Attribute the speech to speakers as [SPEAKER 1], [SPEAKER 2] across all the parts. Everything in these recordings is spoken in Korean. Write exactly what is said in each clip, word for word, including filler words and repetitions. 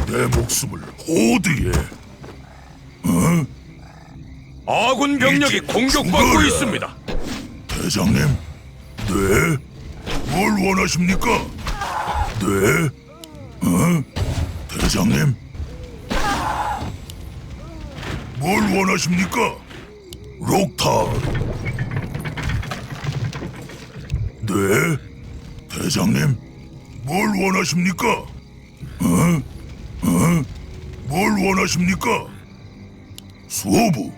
[SPEAKER 1] 내 목숨을 호드에. 어?
[SPEAKER 2] 아군 병력이
[SPEAKER 1] 이제
[SPEAKER 2] 공격받고
[SPEAKER 1] 죽어라.
[SPEAKER 2] 있습니다.
[SPEAKER 1] 대장님, 네? 뭘 원하십니까? 네? 어? 대장님? 뭘 원하십니까? 록탈. 네? 대장님? 뭘 원하십니까? 어? 어? 뭘 원하십니까? 수호부.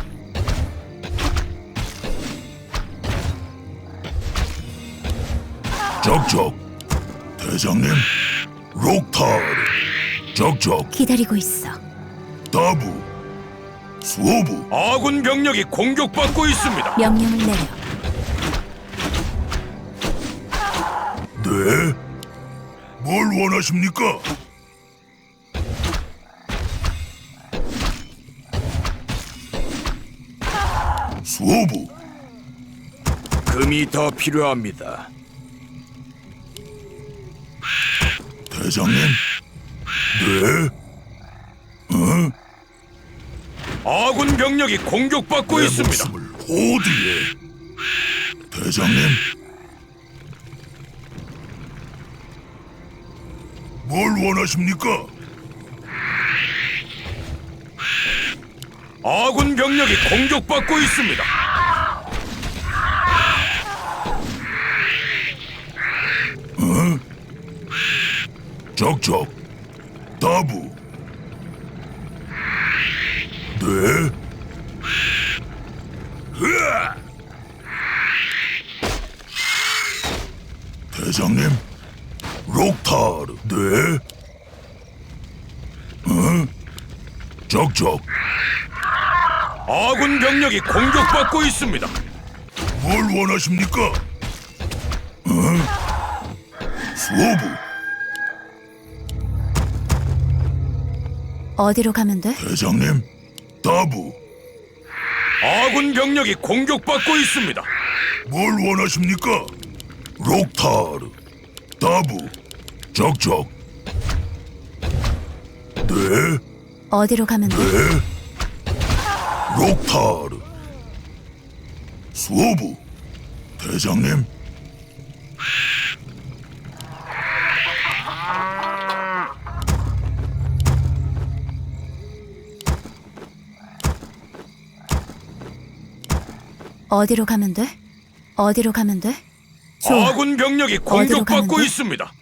[SPEAKER 1] 적적. 대장님, 록탈. 적적.
[SPEAKER 3] 기다리고 있어.
[SPEAKER 1] 다부. 수호부.
[SPEAKER 2] 아군 병력이 공격받고 있습니다.
[SPEAKER 3] 명령을 내려.
[SPEAKER 1] 네? 뭘 원하십니까? 수호부.
[SPEAKER 2] 금이 더 필요합니다.
[SPEAKER 1] 대장님? 네? 어?
[SPEAKER 2] 아군 병력이 공격받고
[SPEAKER 1] 내
[SPEAKER 2] 있습니다.
[SPEAKER 1] 목숨을 호드에. 대장님? 뭘 원하십니까?
[SPEAKER 2] 아군 병력이 공격받고 있습니다.
[SPEAKER 1] 적적. 다부. 네? 으아! 대장님? 록타르. 네? 어? 적적.
[SPEAKER 2] 아군 병력이 공격받고 있습니다.
[SPEAKER 1] 뭘 원하십니까? 어? 수호부.
[SPEAKER 3] 어디로 가면 돼?
[SPEAKER 1] 대장님? 다부.
[SPEAKER 2] 아군 병력이 공격받고 있습니다.
[SPEAKER 1] 뭘 원하십니까? 록타르. 다부. 적적. 네?
[SPEAKER 3] 어디로 가면 돼?
[SPEAKER 1] 네? 록타르. 수호부. 대장님?
[SPEAKER 3] 어디로 가면 돼? 어디로 가면 돼? 좋아.
[SPEAKER 2] 아군 병력이
[SPEAKER 3] 어디로 가면
[SPEAKER 2] 공격받고
[SPEAKER 3] 돼?
[SPEAKER 2] 있습니다.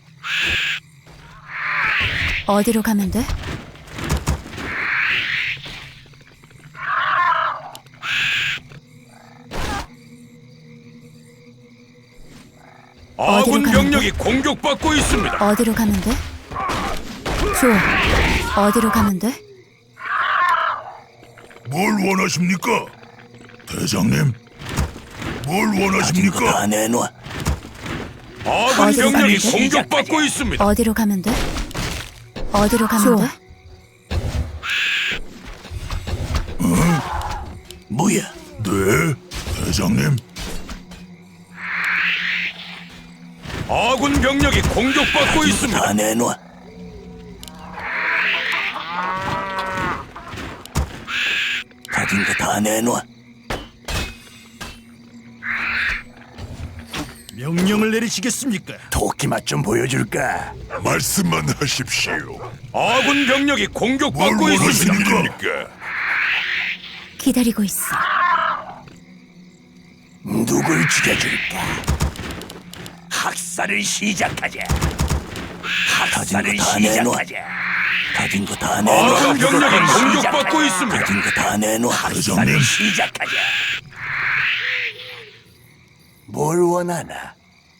[SPEAKER 3] 어디로 가면 돼?
[SPEAKER 2] 아군
[SPEAKER 3] 가면
[SPEAKER 2] 병력이 공격받고 있습니다.
[SPEAKER 3] 어디로 가면 돼? 좋아. 어디로 가면 돼?
[SPEAKER 1] 뭘 원하십니까? 대장님? 뭘 원하십니까?
[SPEAKER 4] 다 내놔.
[SPEAKER 2] 아군
[SPEAKER 3] 어디로
[SPEAKER 2] 병력이
[SPEAKER 3] 가면 돼?
[SPEAKER 2] 공격받고 있습니다.
[SPEAKER 3] 어디로 가면 돼? 어디로 가면 좋아. 돼?
[SPEAKER 4] 뭐야?
[SPEAKER 1] 네? 대장님?
[SPEAKER 2] 아군 병력이 공격받고 있습니다.
[SPEAKER 4] 다 내놔. 가진 거 다 내놔.
[SPEAKER 5] 명령을 내리시겠습니까?
[SPEAKER 4] 토끼 맛 좀 보여줄까?
[SPEAKER 1] 말씀만 하십시오.
[SPEAKER 2] 아군 병력이
[SPEAKER 1] 뭘
[SPEAKER 2] 공격받고 있습니다.
[SPEAKER 1] 원하십니까?
[SPEAKER 3] 기다리고 있어.
[SPEAKER 4] 누굴 죽여줄까? 학살을 시작하자. 학살을 시작하자. 가진 거 다 내놔.
[SPEAKER 2] 아군 병력이
[SPEAKER 4] 학살을
[SPEAKER 2] 공격받고
[SPEAKER 4] 시작하자.
[SPEAKER 2] 있습니다.
[SPEAKER 4] 가진 거 다 내놔.
[SPEAKER 1] 대장님?
[SPEAKER 4] 학살을 시작하자. 뭘 원하나?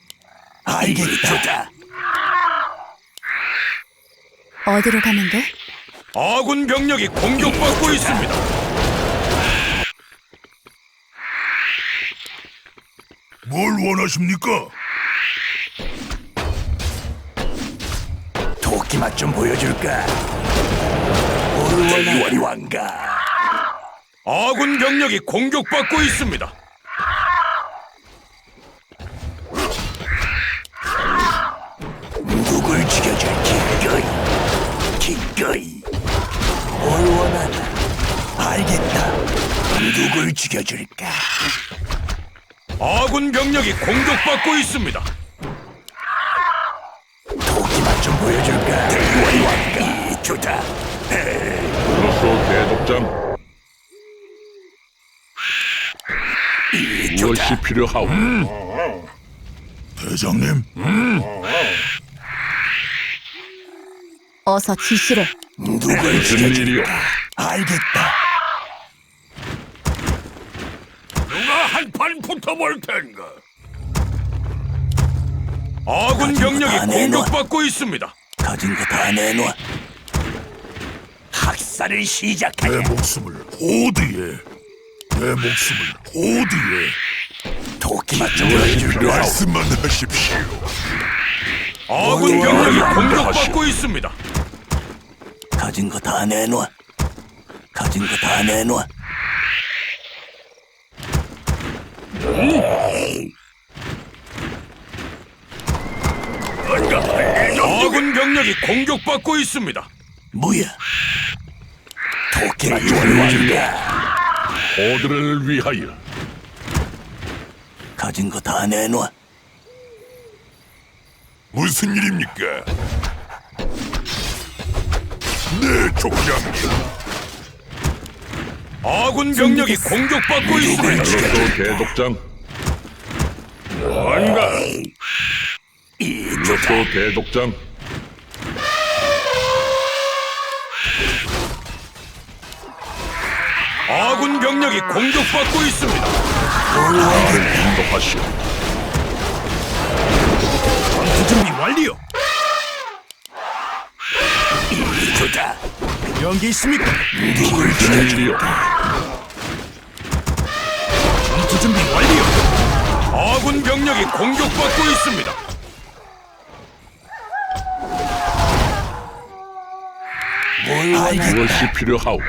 [SPEAKER 4] 알겠다.
[SPEAKER 3] 어디로 가면 돼?
[SPEAKER 2] 아군 병력이 공격받고 있습니다.
[SPEAKER 1] 뭘 원하십니까?
[SPEAKER 4] 토끼 맛 좀 보여줄까? 뭘 원하니 왕가?
[SPEAKER 2] 아군 병력이 공격받고 있습니다.
[SPEAKER 4] 누굴 죽여줄 기꺼이 기꺼이 누굴 죽여줄까?
[SPEAKER 2] 아군 병력이 공격받고 있습니다.
[SPEAKER 4] 도끼만 좀 보여줄까? 대원이 왔다. 좋다.
[SPEAKER 1] 그렇소 대독장. 무엇이 필요하오? 대장님.
[SPEAKER 3] 어서 지시를.
[SPEAKER 4] 누굴
[SPEAKER 1] 무슨 일이오?
[SPEAKER 4] 죽여줄까? 알겠다.
[SPEAKER 1] 누가 한판 붙어볼 텐가?
[SPEAKER 2] 아군 병력이
[SPEAKER 4] 다 내놔.
[SPEAKER 2] 공격받고 있습니다.
[SPEAKER 4] 가진 거 다 내놔. 학살을
[SPEAKER 1] 내
[SPEAKER 4] 시작하자.
[SPEAKER 1] 목숨을 호드에. 내 목숨을 호드에.
[SPEAKER 4] 도끼만 좀 보여줄까?
[SPEAKER 1] 말씀만 하십시오.
[SPEAKER 2] 아군 병력이 공격받고 있습니다.
[SPEAKER 4] 가진 거 다 내놔. 가진 거 다 내놔.
[SPEAKER 2] 아군 병력이 공격받고 있습니다.
[SPEAKER 4] 뭐야? 도끼만 좀 보여줄까?
[SPEAKER 1] 호드를 위하여.
[SPEAKER 4] 가진 거 다 내놔.
[SPEAKER 1] 무슨 일입니까? 네, 족장님.
[SPEAKER 2] 아군 병력이 공격받고 있습니다.
[SPEAKER 1] 그렇소 대독장. 뭔가.
[SPEAKER 4] 이
[SPEAKER 1] 그렇소 대독장.
[SPEAKER 2] 아군 병력이 공격받고 있습니다.
[SPEAKER 1] 나를 인도하시오.
[SPEAKER 5] 전투 준비 완료.
[SPEAKER 4] 좋다.
[SPEAKER 5] 필요한 게 있습니까?
[SPEAKER 4] 누굴
[SPEAKER 1] 무슨 일이오?
[SPEAKER 5] 전투 준비 완료.
[SPEAKER 2] 아군 병력이 공격받고 있습니다.
[SPEAKER 4] 뭘 알겠다.
[SPEAKER 1] 무엇이 필요하오?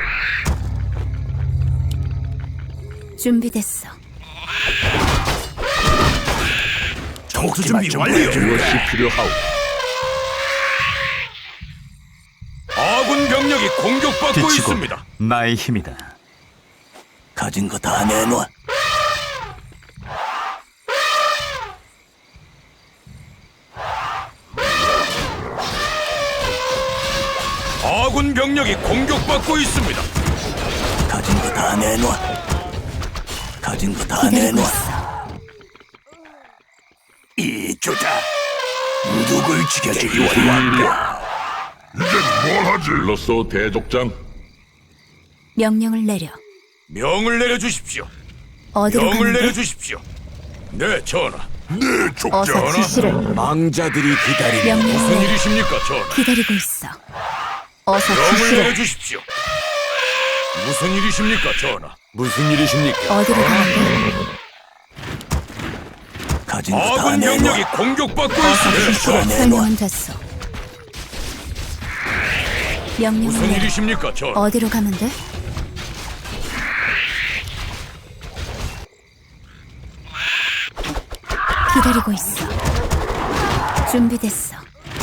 [SPEAKER 3] 준비됐어.
[SPEAKER 5] 전투
[SPEAKER 4] 도끼만
[SPEAKER 5] 준비
[SPEAKER 4] 좀
[SPEAKER 5] 완료.
[SPEAKER 4] 보여줄까?
[SPEAKER 1] 무엇이 필요하오?
[SPEAKER 2] 아군 병력이 공격받고
[SPEAKER 6] 빛이고
[SPEAKER 2] 있습니다.
[SPEAKER 6] 나의 힘이다.
[SPEAKER 4] 가진 거 다 내놔.
[SPEAKER 2] 아군 병력이 공격받고 있습니다.
[SPEAKER 4] 가진 거 다 내놔. 가진 거 다
[SPEAKER 3] 기다리고
[SPEAKER 4] 내놔.
[SPEAKER 3] 있어.
[SPEAKER 4] 이 좋다. 누굴 죽여줄까?
[SPEAKER 1] 무슨 일이오? 이제 뭘 하지? 불렀소 대독장.
[SPEAKER 3] 명령을 내려.
[SPEAKER 2] 명을 내려주십시오.
[SPEAKER 3] 어디로
[SPEAKER 2] 명을
[SPEAKER 3] 가는데?
[SPEAKER 2] 내려주십시오. 네, 전하.
[SPEAKER 1] 네,
[SPEAKER 3] 어서
[SPEAKER 1] 족장.
[SPEAKER 3] 지시를.
[SPEAKER 4] 망자들이 기다리는
[SPEAKER 3] 명령을
[SPEAKER 2] 무슨
[SPEAKER 3] 내려.
[SPEAKER 2] 일이십니까, 전하?
[SPEAKER 3] 기다리고 있어. 어서
[SPEAKER 2] 명을
[SPEAKER 3] 지시를.
[SPEAKER 2] 내려주십시오. 무슨 일이십니까, 전하?
[SPEAKER 4] 무슨 일이십니까?
[SPEAKER 3] 어디로 가는데?
[SPEAKER 4] 가진 거 다
[SPEAKER 2] 아군
[SPEAKER 4] 내놔.
[SPEAKER 2] 병력이 공격받고
[SPEAKER 3] 어서
[SPEAKER 2] 있습니다.
[SPEAKER 3] 지시를.
[SPEAKER 4] 내놔.
[SPEAKER 3] 설명은 됐어. 명령을
[SPEAKER 2] 무슨
[SPEAKER 3] 내려.
[SPEAKER 2] 일이십니까, 전하?
[SPEAKER 3] 어디로 가면 돼? 기다리고 있어. 준비됐어.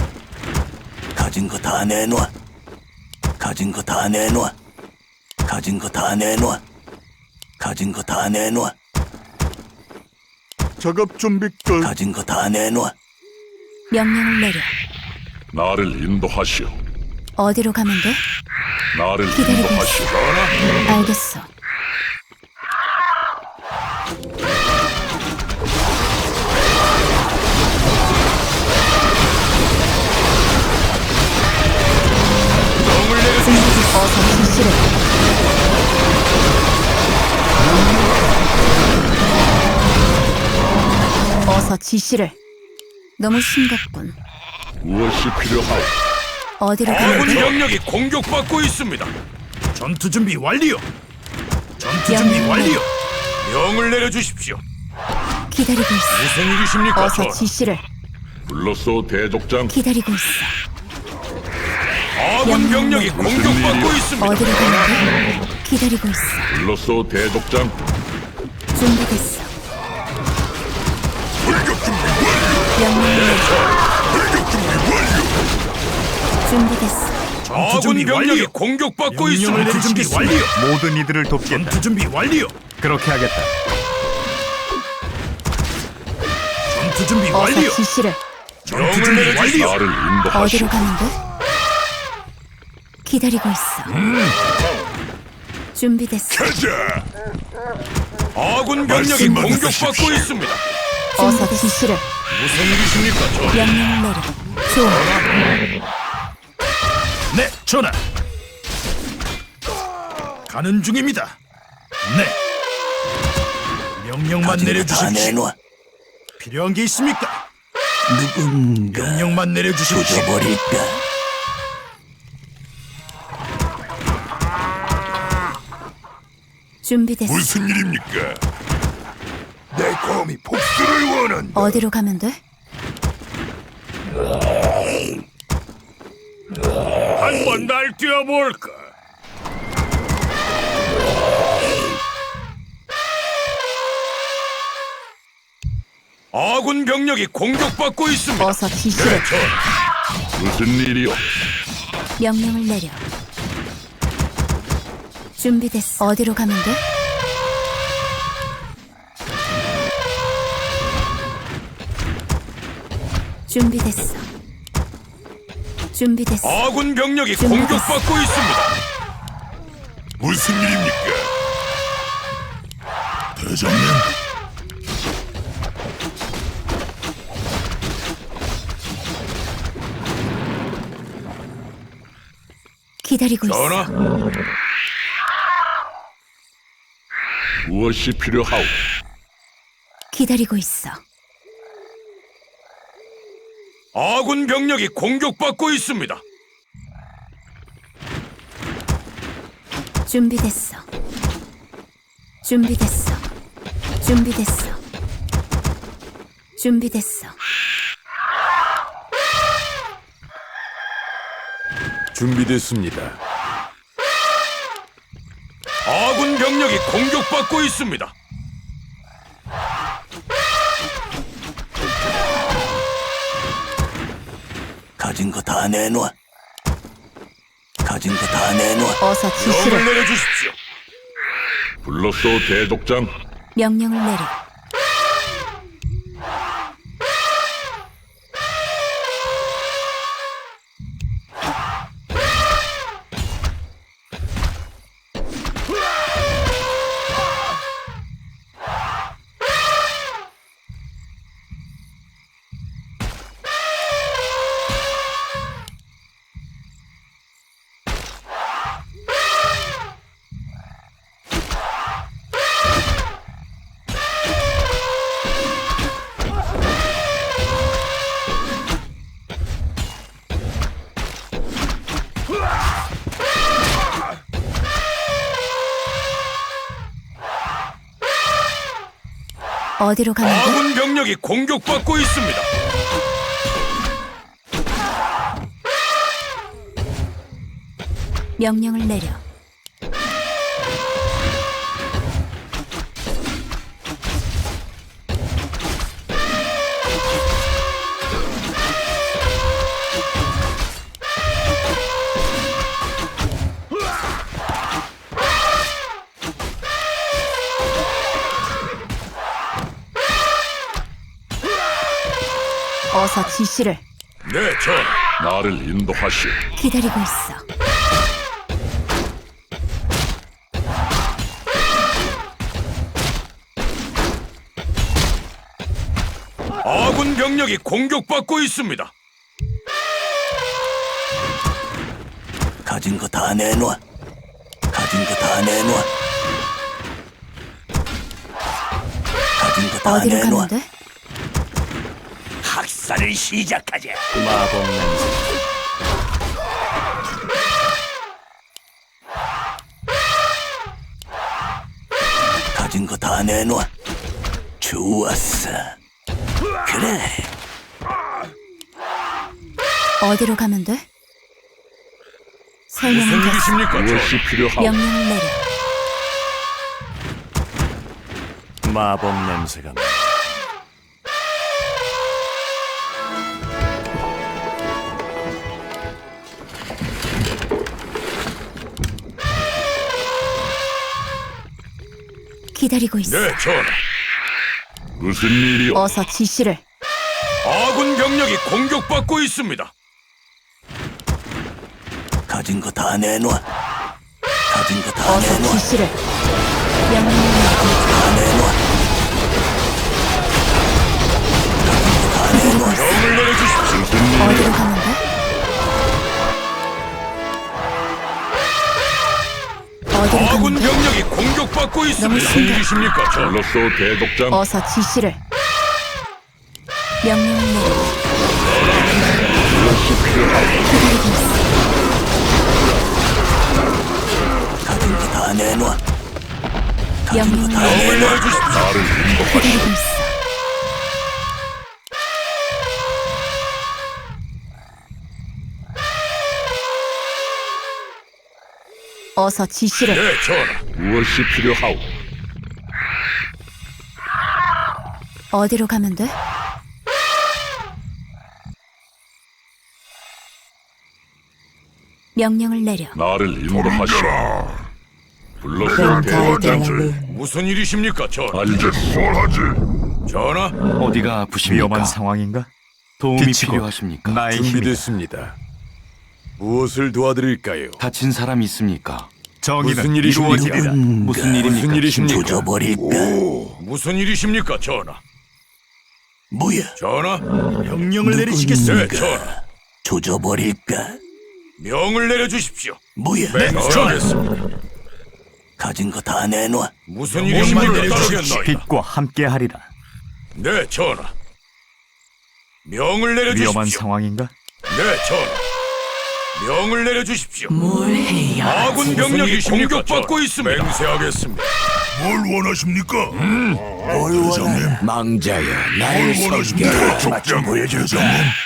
[SPEAKER 4] 가진 거 다 내놔. 가진 거 다 내놔. 가진 거 다 내놔. 가진 거 다 내놔.
[SPEAKER 1] 작업 준비 끝.
[SPEAKER 4] 가진 거 다 내놔.
[SPEAKER 3] 명령을 내려.
[SPEAKER 1] 나를 인도하시오.
[SPEAKER 3] 어디로 가면 돼?
[SPEAKER 1] 나를
[SPEAKER 3] 기다리고
[SPEAKER 1] 인도하시오.
[SPEAKER 3] 알겠어.
[SPEAKER 2] 명을 내려주십시오.
[SPEAKER 3] 어서 지시를. 어서 지시를. 너무 심각군.
[SPEAKER 1] 무엇이 필요하오?
[SPEAKER 3] 어디로 가면
[SPEAKER 2] 아군
[SPEAKER 3] 돼?
[SPEAKER 2] 병력이 공격받고 있습니다.
[SPEAKER 5] 전투 준비 완료. 전투 준비
[SPEAKER 3] 명령을
[SPEAKER 5] 완료.
[SPEAKER 2] 명을 내려주십시오.
[SPEAKER 3] 기다리고 있어.
[SPEAKER 2] 무슨 일이십니까,
[SPEAKER 3] 어서
[SPEAKER 2] 전하?
[SPEAKER 3] 지시를.
[SPEAKER 1] 불렀소 대족장.
[SPEAKER 3] 기다리고 있어.
[SPEAKER 2] 아군 병력이 공격받고 있습니다.
[SPEAKER 3] 어디로 가면 돼? 기다리고 있어.
[SPEAKER 1] 불렀소 대족장.
[SPEAKER 3] 준비됐어.
[SPEAKER 1] 불격 준비 완료.
[SPEAKER 3] 명령을 내려.
[SPEAKER 1] 불격 준비 완료.
[SPEAKER 3] 준비됐어.
[SPEAKER 5] 전투
[SPEAKER 2] 아군
[SPEAKER 5] 준비
[SPEAKER 2] 병력이
[SPEAKER 5] 완료.
[SPEAKER 2] 공격받고
[SPEAKER 5] 명령을
[SPEAKER 2] 있습니다.
[SPEAKER 5] 내릴 준비 완료.
[SPEAKER 6] 모든 이들을 돕겠다.
[SPEAKER 5] 전투 준비 완료.
[SPEAKER 6] 그렇게 하겠다.
[SPEAKER 5] 전투 준비
[SPEAKER 3] 어서
[SPEAKER 5] 완료.
[SPEAKER 3] 지시를.
[SPEAKER 5] 전투 준비 완료.
[SPEAKER 1] 나를 인도하시오.
[SPEAKER 3] 어디로 가면 돼? 기다리고 있어.
[SPEAKER 1] 가자.
[SPEAKER 3] 준비됐어.
[SPEAKER 2] 아군 병력이
[SPEAKER 1] 말씀만
[SPEAKER 2] 공격받고
[SPEAKER 1] 하십시오.
[SPEAKER 2] 있습니다.
[SPEAKER 3] 어서 지시를.
[SPEAKER 2] 무슨 일이십니까, 전?
[SPEAKER 3] 명령을 내려. 좋아.
[SPEAKER 5] 네, 전하. 가는 중입니다. 네. 명령만
[SPEAKER 4] 가진 거 다
[SPEAKER 5] 내려주십시오.
[SPEAKER 4] 내놔.
[SPEAKER 5] 필요한 게 있습니까?
[SPEAKER 4] 누군가
[SPEAKER 5] 명령만 내려주십시오.
[SPEAKER 4] 조져버릴까?
[SPEAKER 3] 준비됐어.
[SPEAKER 1] 무슨 일입니까? 내 검이 복수를 원한다.
[SPEAKER 3] 어디로 가면 돼?
[SPEAKER 2] 한번 날 뛰어볼까? 아군 병력이 공격받고 있습니다.
[SPEAKER 3] 어서 지시를.
[SPEAKER 1] 무슨 일이오?
[SPEAKER 3] 명령을 내려. 준비됐어. 어디로 가면 돼? 준비됐어. 준비됐어.
[SPEAKER 2] 아군 병력이
[SPEAKER 3] 준비됐어.
[SPEAKER 2] 공격받고 있습니다.
[SPEAKER 1] 무슨 일입니까? 대장님.
[SPEAKER 3] 기다리고 있어.
[SPEAKER 2] 전하,
[SPEAKER 1] 무엇이 필요하오?
[SPEAKER 3] 기다리고 있어.
[SPEAKER 2] 아군 병력이 공격받고 있습니다.
[SPEAKER 3] 준비됐어. 준비됐어. 준비됐어. 준비됐어.
[SPEAKER 2] 준비됐습니다. 아군 병력이 공격받고 있습니다.
[SPEAKER 4] 가진 거 다 내놔. 가진 거 다 내놔.
[SPEAKER 3] 어서
[SPEAKER 2] 명을
[SPEAKER 3] 지시를.
[SPEAKER 2] 내려주십시오.
[SPEAKER 1] 불렀소, 대족장.
[SPEAKER 3] 명령을 내려. 어디로 가면 돼?
[SPEAKER 2] 아군 병력이 공격받고 있습니다.
[SPEAKER 3] 명령을 내려. 어서 지시를.
[SPEAKER 2] 네, 전하.
[SPEAKER 1] 나를 인도하시오.
[SPEAKER 3] 기다리고 있어.
[SPEAKER 2] 아군 병력이 공격받고 있습니다.
[SPEAKER 4] 가진 거 다 내놔. 가진 거 다 내놔. 가진 거 다
[SPEAKER 3] 어디로
[SPEAKER 4] 내놔.
[SPEAKER 3] 가면 돼?
[SPEAKER 4] 학살을 시작하자.
[SPEAKER 6] 마법 냄새.
[SPEAKER 4] 가진 거 다 내놔. 좋았어. 그래.
[SPEAKER 3] 어디로 가면 돼?
[SPEAKER 2] 무슨
[SPEAKER 3] 설명은 됐어.
[SPEAKER 2] 일이십니까, 전하?
[SPEAKER 1] 무엇이 필요하오?
[SPEAKER 3] 명령을 내려.
[SPEAKER 6] 마법 냄새가 나.
[SPEAKER 3] 기다리고 있어.
[SPEAKER 2] 네, 전하.
[SPEAKER 1] 무슨 일이오?
[SPEAKER 3] 어서 지시를.
[SPEAKER 2] 아군 병력이 공격받고 있습니다.
[SPEAKER 4] 가진 거 다 내놔. 가진 거 다
[SPEAKER 3] 어서
[SPEAKER 4] 내놔.
[SPEAKER 3] 지시를. 명령을 내리고
[SPEAKER 4] 다 내놔.
[SPEAKER 3] 기다리고 있어.
[SPEAKER 2] 명을 내려주십시오.
[SPEAKER 1] 무슨 일이오?
[SPEAKER 3] 어디로 가면 돼? 어디로 가면
[SPEAKER 2] 아군
[SPEAKER 3] 돼?
[SPEAKER 2] 병력이 공격받고 있습니다. 무슨
[SPEAKER 3] 심각해.
[SPEAKER 2] 일이십니까, 전하?
[SPEAKER 1] 불렀소 대족장.
[SPEAKER 3] 어서 지시를. 명령을 내리고 기다리고 있어.
[SPEAKER 4] 가진 거 다 내놔. 가진
[SPEAKER 3] 명령을
[SPEAKER 4] 거 다
[SPEAKER 3] 내리고
[SPEAKER 2] 명을
[SPEAKER 4] 내놔.
[SPEAKER 2] 내려주십시오.
[SPEAKER 1] 나를 인도하시.
[SPEAKER 3] 기다리고 있어. 어서 지시를.
[SPEAKER 2] 네, 전하.
[SPEAKER 1] 무엇이 필요하오?
[SPEAKER 3] 어디로 가면 돼? 명령을 내려.
[SPEAKER 1] 나를 인도하시오. 불렀소
[SPEAKER 3] 네,
[SPEAKER 1] 대족장.
[SPEAKER 2] 무슨 일이십니까, 전하?
[SPEAKER 1] 알겠소. 뭘 하지?
[SPEAKER 2] 전하,
[SPEAKER 7] 어디가 아프십니까?
[SPEAKER 6] 위험한 상황인가?
[SPEAKER 7] 도움이
[SPEAKER 6] 비치고
[SPEAKER 7] 필요하십니까?
[SPEAKER 6] 나의 힘이
[SPEAKER 2] 준비됐습니다. 무엇을 도와드릴까요?
[SPEAKER 7] 다친 사람 있습니까?
[SPEAKER 6] 정의는
[SPEAKER 2] 무슨 일이십니까?
[SPEAKER 6] 이루어지리라.
[SPEAKER 7] 무슨 일입니까?
[SPEAKER 2] 무슨 일이십니까?
[SPEAKER 4] 조져버릴까?
[SPEAKER 2] 무슨 일이십니까, 전하?
[SPEAKER 4] 뭐야?
[SPEAKER 2] 전하,
[SPEAKER 5] 명령을
[SPEAKER 2] 네,
[SPEAKER 5] 내리시겠습니까?
[SPEAKER 2] 전하.
[SPEAKER 4] 조져버릴까?
[SPEAKER 2] 명을 내려주십시오.
[SPEAKER 4] 뭐야?
[SPEAKER 2] 전하겠습니다.
[SPEAKER 4] 가진 거 다 내놔.
[SPEAKER 2] 무슨
[SPEAKER 5] 명령만
[SPEAKER 2] 일이십니까,
[SPEAKER 5] 내려주십시오.
[SPEAKER 2] 따르겠나이다.
[SPEAKER 6] 빛과 함께하리라.
[SPEAKER 2] 네, 전하. 명을 내려주십시오.
[SPEAKER 6] 위험한 상황인가?
[SPEAKER 2] 네, 전하. 명을 내려주십시오. 뭘 해야 아군 병력이 공격받고 있습니다. 맹세하겠습니다.
[SPEAKER 5] 뭘 원하십니까?
[SPEAKER 4] 뭘 원하냐? 망자여, 나의 성격을 맞춰 보여줄까?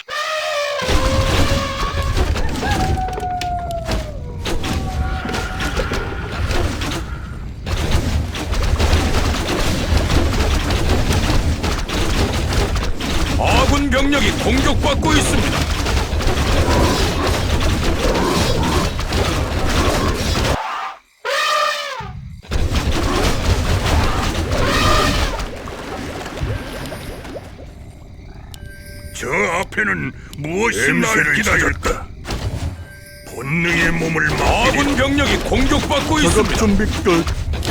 [SPEAKER 2] 아군 병력이 공격받고 있습니다.
[SPEAKER 1] 저 앞에는 무엇이 나를 기다렸다. 본능의 몸을
[SPEAKER 2] 아군 병력이 공격받고 있습니다.
[SPEAKER 1] 준비 끝.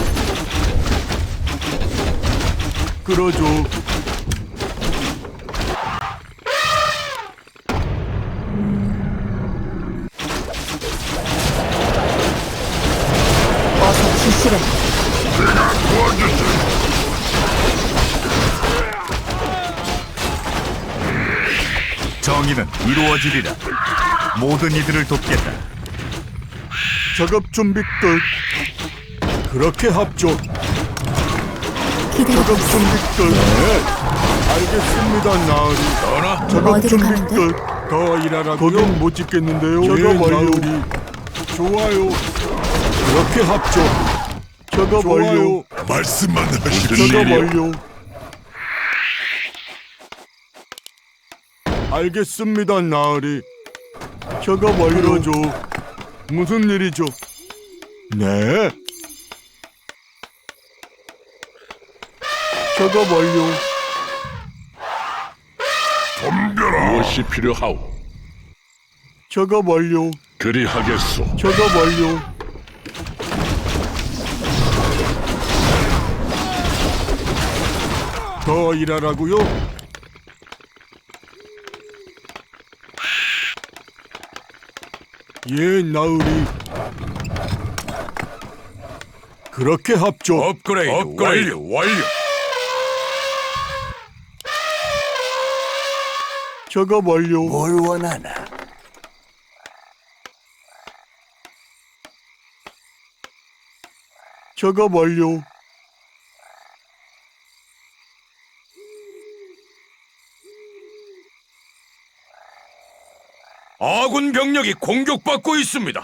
[SPEAKER 1] 끌어줘.
[SPEAKER 3] 어서 지시를.
[SPEAKER 6] 정의는 이루어지리라. 모든 이들을 돕겠다.
[SPEAKER 1] 작업 준비 끝. 그렇게 합조.
[SPEAKER 3] 기다리고 있어.
[SPEAKER 1] 준비 끝. 네. 알겠습니다, 나으리.
[SPEAKER 2] 전하,
[SPEAKER 1] 작업
[SPEAKER 3] 어디로
[SPEAKER 1] 준비
[SPEAKER 3] 가면 돼?
[SPEAKER 1] 끝. 더 일하라고요? 거긴 못 짓겠는데요. 작업 완료. 좋아요. 그렇게 합조. 작업 완료. 말씀만 하십시오. 작업 완료. 알겠습니다, 나으리. 작업 완료죠. 무슨 일이죠? 네. 작업 완료. 덤벼라. 무엇이 필요하오? 작업 완료. 그리하겠소. 작업 완료. 더 일하라고요? 예, 나으리. 그렇게 합조.
[SPEAKER 2] 업그레이드, 업그레이드 완료. 완료.
[SPEAKER 1] 작업 완료.
[SPEAKER 4] 뭘 원하나?
[SPEAKER 1] 작업 완료.
[SPEAKER 2] 아군 병력이 공격받고 있습니다.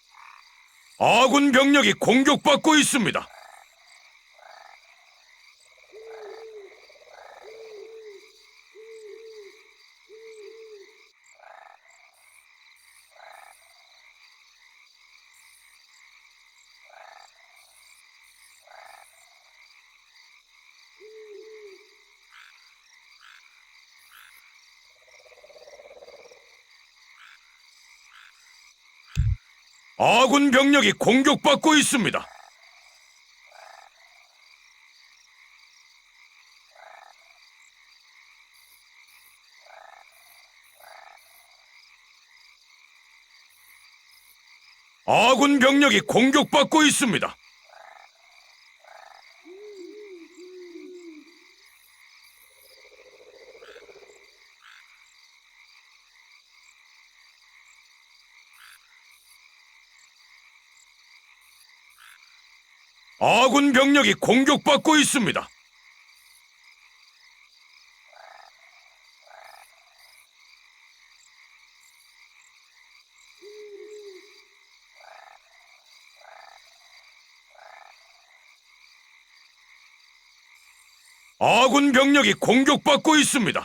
[SPEAKER 2] 아군 병력이 공격받고 있습니다. 아군 병력이 공격받고 있습니다. 아군 병력이 공격받고 있습니다. 아군 병력이 공격받고 있습니다. 아군 병력이 공격받고 있습니다.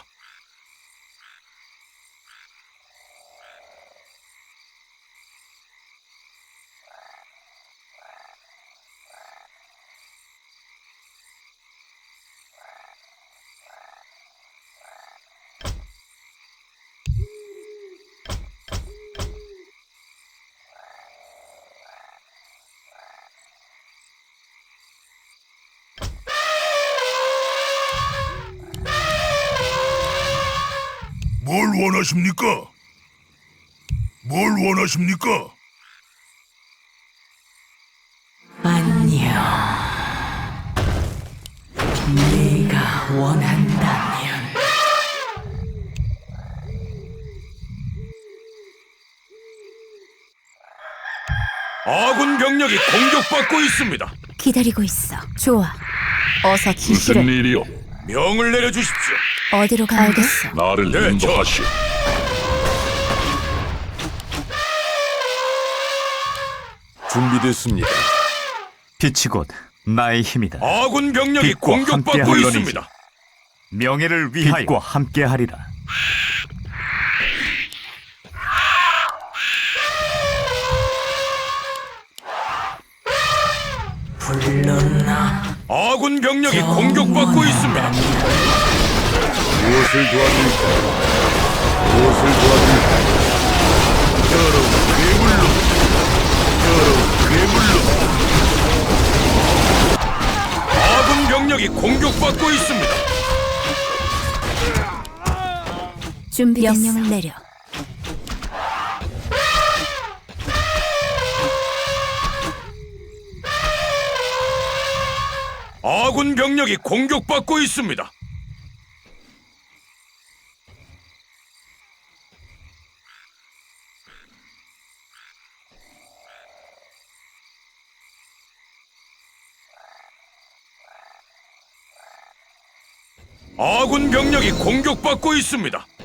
[SPEAKER 5] 뭘 원하십니까? 뭘 원하십니까?
[SPEAKER 8] 안녕. 네가 원한다면
[SPEAKER 2] 아군 병력이 공격받고 있습니다.
[SPEAKER 3] 기다리고 있어. 좋아. 어서 지시를.
[SPEAKER 1] 일이요?
[SPEAKER 2] 명을 내려주십시오.
[SPEAKER 3] 어디로 가면 알겠어.
[SPEAKER 1] 나를
[SPEAKER 2] 네,
[SPEAKER 1] 인도하시오. 준비됐습니다.
[SPEAKER 6] 빛이 곧 나의 힘이다.
[SPEAKER 2] 아군 병력이
[SPEAKER 6] 빛과 함께
[SPEAKER 2] 공격받고
[SPEAKER 6] 하리니.
[SPEAKER 2] 있습니다.
[SPEAKER 6] 명예를 위하여 빛과 함께하리라.
[SPEAKER 8] 불렀나?
[SPEAKER 2] 아군 병력이 공격받고 있습니다.
[SPEAKER 1] 무엇을 도와드릴까? 무엇을 도와드릴까? 여러분, 괴물로! 여러분, 괴물로!
[SPEAKER 2] 아군 병력이 공격받고 있습니다.
[SPEAKER 3] 준비 명령을 내려.
[SPEAKER 2] 아군 병력이 공격받고 있습니다. 아군 병력이 공격받고 있습니다.